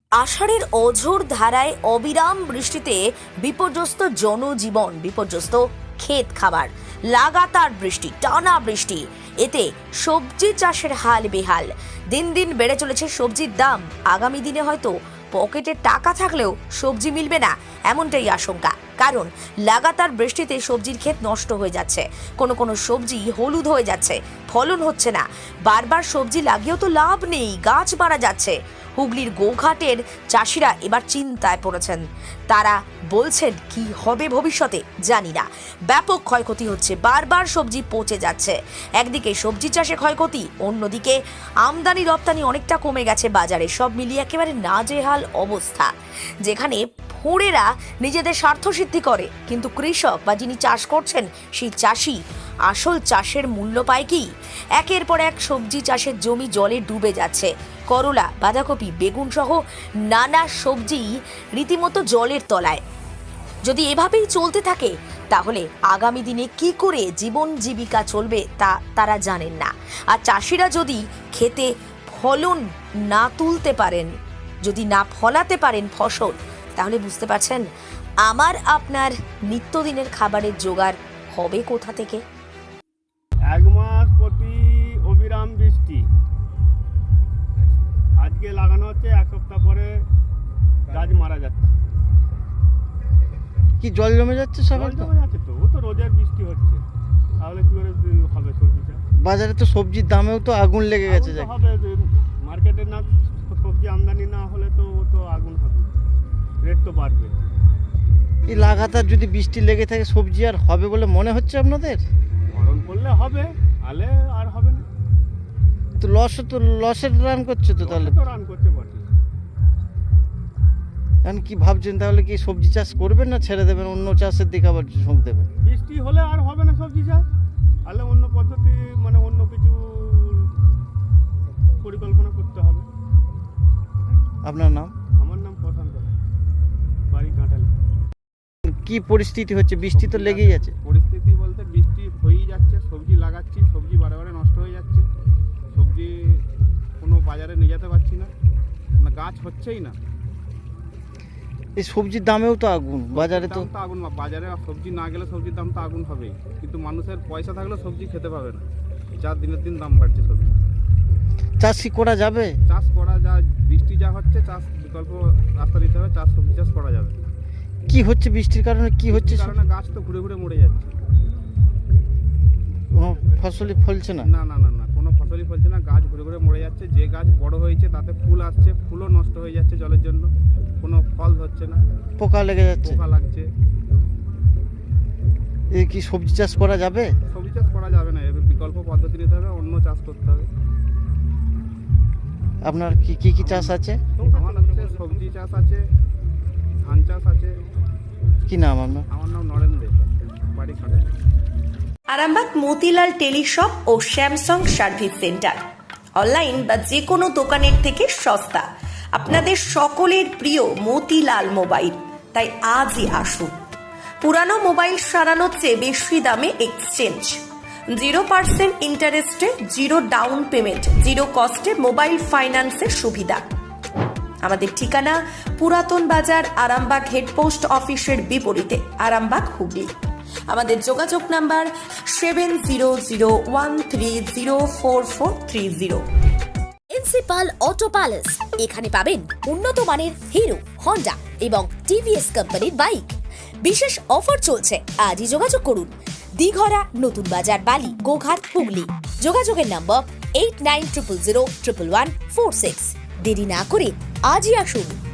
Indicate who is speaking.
Speaker 1: আষাঢ়ের অঝোর ধারায় অবিরাম বৃষ্টিতে বিপর্যস্ত জনজীবন, বিপর্যস্ত ক্ষেত খাবার, লাগাতার বৃষ্টি, টানা বৃষ্টি, এতে সবজি চাষের হাল বেহাল। দিন দিন বেড়ে চলেছে সবজির দাম। আগামী দিনে হয়তো পকেটে টাকা থাকলেও সবজি মিলবে না, এমনটাই আশঙ্কা। কারণ লাগাতার বৃষ্টিতে সবজির ক্ষেত নষ্ট হয়ে যাচ্ছে, কোনো কোনো সবজি হলুদ হয়ে যাচ্ছে, ফলন হচ্ছে না। বারবার সবজি লাগিয়েও তো লাভ নেই, গাছ মারা যাচ্ছে। হুগলির গোঘাটের চাষিরা এবার চিন্তায় পড়েছেন। তারা বলছেন কি হবে ভবিষ্যতে জানি না। ব্যাপক ক্ষয়ক্ষতি হচ্ছে, বারবার সবজি পচে যাচ্ছে। একদিকে সবজি চাষে ক্ষয়ক্ষতি, অন্যদিকে আমদানি রপ্তানি অনেকটা কমে গেছে বাজারে। সব মিলিয়ে একেবারে নাজেহাল অবস্থা, যেখানে ফোঁড়েরা নিজেদের স্বার্থ সিদ্ধি করে, কিন্তু কৃষক বা যিনি চাষ করছেন সেই চাষি আসল চাষের মূল্য পায় কি? একের পর এক সবজি চাষের জমি জলে ডুবে যাচ্ছে। করলা, বাঁধাকপি, বেগুন সহ নানা সবজি রীতিমতো জলের তলায়। যদি এভাবেই চলতে থাকে তাহলে আগামী দিনে কি করে জীবন জীবিকা চলবে তা তারা জানেন না। আর চাষিরা যদি খেতে ফলন না তুলতে পারেন, যদি না ফলাতে পারেন ফসল, তাহলে বুঝতে পারছেন আমার আপনার নিত্যদিনের খাবারের জোগাড় হবে কোথা থেকে?
Speaker 2: এক মাস প্রতি অবিরাম বৃষ্টি। আজকে লাগানো হচ্ছে, এক সপ্তাহ পরে গাছ মারা যাচ্ছে।
Speaker 3: কি জল জমে যাচ্ছে সব?
Speaker 2: জল জমে যাচ্ছে তো, ও তো রোজের বৃষ্টি হচ্ছে, তাহলে কি করে হবে সবজিটা?
Speaker 3: বাজারে তো সবজির দামেও তো আগুন লেগে গেছে।
Speaker 2: আগুন তো হবে, মার্কেটে না সবজি আমদানি না হলে তো ও তো আগুন হবে, রেট তো বাড়বে।
Speaker 3: এই লাগাতার যদি বৃষ্টি লেগে থাকে সবজি আর হবে বলে মনে হচ্ছে আপনাদের?
Speaker 2: গরম পড়লে হবে, আলে আর হবে না।
Speaker 3: তো লসের রান করছে তো তাহলে।
Speaker 2: তো রান করতে পারছি।
Speaker 3: এখন কি ভাবছেন তাহলে, কি সবজি চাষ করবেন না ছেড়ে দেবেন, অন্য চাষের দিকে আবার ঝোঁক দেবেন?
Speaker 2: বৃষ্টি হলে আর হবে না সবজি চাষ, তাহলে অন্য পদ্ধতি মানে অন্য কিছু পরিকল্পনা করতে হবে।
Speaker 3: আপনার নাম?
Speaker 2: আমার নাম প্রশান্ত, বাড়ি কাঁঠাল।
Speaker 3: কি পরিস্থিতি হচ্ছে? বৃষ্টি তো লেগেই আছে।
Speaker 2: পরিস্থিতি বলতে বৃষ্টি হয়েই যাচ্ছে, সবজি লাগাচ্ছি, সবজি বারে বারে নষ্ট হয়ে যাচ্ছে, সবজি কোনো বাজারে নিয়ে যেতে পারছি না, গাছ হচ্ছেই না।
Speaker 3: এই সবজির দামেও তো আগুন বাজারে, তো
Speaker 2: আগুন। বাজারে সবজি না গেলে সবজির দাম তো আগুন হবেই, কিন্তু মানুষের পয়সা থাকলেও সবজি খেতে পাবে না, যা দিনের দিন দাম বাড়ছে সবজি।
Speaker 3: চাষ কি করা যাবে?
Speaker 2: চাষ করা যা, বৃষ্টি যা হচ্ছে, চাষ বিকল্প রাস্তা দিতে হবে, সবজি চাষ করা যাবে।
Speaker 3: কি হচ্ছে বৃষ্টির কারণে? কি হচ্ছে?
Speaker 2: কারণে গাছ তো ঘুরে ঘুরে মরে যাচ্ছে,
Speaker 3: কোনো ফসলই ফলছে না।
Speaker 2: না না না না কোনো ফসলই ফলছে না, গাছ ঘুরে ঘুরে মরে যাচ্ছে। যে গাছ বড় হয়েছে তাতে ফুল আসছে, ফুলও নষ্ট হয়ে যাচ্ছে জলের জন্য, কোনো ফল হচ্ছে না,
Speaker 3: পোকা লেগে যাচ্ছে।
Speaker 2: পোকা লাগছে।
Speaker 3: এই কি সবজি চাষ করা যাবে?
Speaker 2: সবজি চাষ করা যাবে না, এবার বিকল্প পদ্ধতি নিতে হবে, অন্য চাষ করতে হবে।
Speaker 3: আপনার কি কি কি চাষ আছে?
Speaker 2: আমার হচ্ছে সবজি চাষ আছে, ধান চাষ আছে।
Speaker 3: কি নাম আপনার?
Speaker 2: আমার নাম নরেন্দ্র, বাড়ি কাঁঠাল।
Speaker 1: আরামবাগ মতিলাল টেলিশপ ও স্যামসাং সার্ভিস সেন্টার, অনলাইন বা যে কোনো দোকানের থেকে সস্তা। আপনাদের সকলের প্রিয় মতিলাল মোবাইল, তাই আজই আসুন। পুরানো মোবাইল সারানোর চেয়ে বেশি দামে এক্সচেঞ্জ, 0% ইন্টারেস্টে, 0 ডাউন পেমেন্ট, 0 কস্টে মোবাইল ফাইন্যান্সের সুবিধা। আমাদের ঠিকানা পুরাতন বাজার, আরামবাগ হেডপোস্ট অফিসের বিপরীতে, আরামবাগ, হুগলি। আমাদের যোগাযোগ নাম্বার 7001304430। প্রিন্সিপাল অটো প্যালেস, এখানে পাবেন উন্নত মানের হিরো, হন্ডা এবং টিভিএস কোম্পানির বাইক। বিশেষ অফার চলছে, আজই যোগাযোগ করুন। দিঘরা, নতুন বাজার, বালি, গোঘাট, হুগলি। যোগাযোগের নম্বর 8900011146। দেরি না করে আজই আসুন।